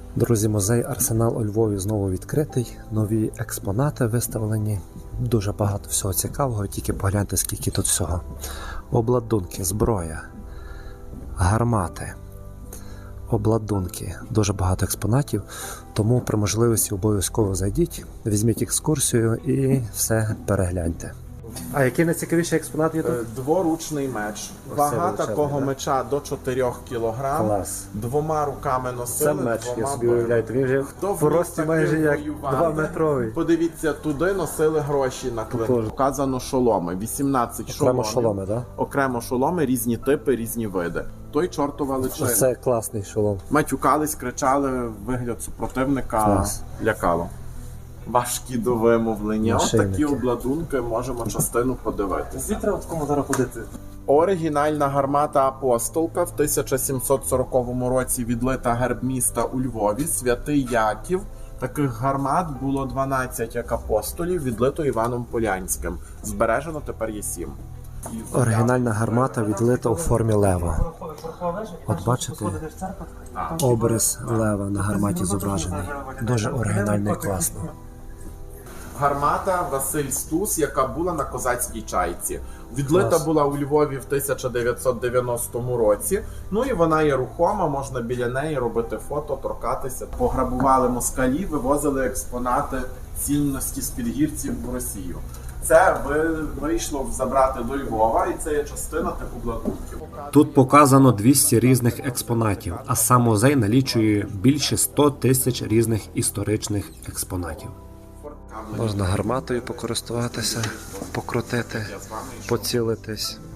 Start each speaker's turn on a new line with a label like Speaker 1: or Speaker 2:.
Speaker 1: Друзі, музей Арсенал у Львові знову відкритий, нові експонати виставлені, дуже багато всього цікавого, тільки погляньте, скільки тут всього. Обладунки, зброя, гармати, обладунки, дуже багато експонатів, тому при можливості обов'язково зайдіть, візьміть екскурсію і все перегляньте. А який найцікавіший експонат є тут?
Speaker 2: Дворучний меч.
Speaker 1: Ось
Speaker 2: Вага
Speaker 1: це величезний,
Speaker 2: такого
Speaker 1: да?
Speaker 2: меча до 4 кг.
Speaker 1: Клас.
Speaker 2: Двома руками
Speaker 1: Це
Speaker 2: носили,
Speaker 1: меч, я
Speaker 2: двома
Speaker 1: собі
Speaker 2: били.
Speaker 1: уявляю, він вже
Speaker 2: Хто
Speaker 1: в рості
Speaker 2: вмів
Speaker 1: майже
Speaker 2: таким
Speaker 1: як
Speaker 2: воювати?
Speaker 1: 2-метровий.
Speaker 2: Подивіться, туди носили гроші на клин.
Speaker 1: Тож.
Speaker 2: Показано шоломи. 18
Speaker 1: Окремо
Speaker 2: шоломів.
Speaker 1: шоломи, так?
Speaker 2: Окремо шоломи, різні типи, різні види. Той чортова личина.
Speaker 1: Це класний шолом.
Speaker 2: Матюкались, кричали, вигляд супротивника
Speaker 1: Клас.
Speaker 2: лякало. Важкі до вимовлення. Ось такі
Speaker 1: Нашийники.
Speaker 2: обладунки, можемо частину подивитися.
Speaker 3: Звідти в такому зараз ходити.
Speaker 2: Оригінальна гармата Апостолка в 1740 році відлита герб міста у Львові, Святий Яків. Таких гармат було 12 як апостолів, відлито Іваном Полянським. Збережено тепер є 7.
Speaker 1: Оригінальна гармата відлита у формі лева. От бачите, образ лева на гарматі зображений. Дуже оригінально і класно.
Speaker 2: Гармата Василь Стус, яка була на козацькій чайці. Відлита
Speaker 1: Клас.
Speaker 2: була у Львові в 1990 році. Ну і вона є рухома, можна біля неї робити фото, торкатися. Пограбували москалі, вивозили експонати цінності з підгірців в Росію. Це вийшло забрати до Львова, і це є частина тих обладунків.
Speaker 1: Тут показано 200 різних експонатів, а сам музей налічує більше 100 тисяч різних історичних експонатів. Можна гарматою покористуватися, покрутити, поцілитись.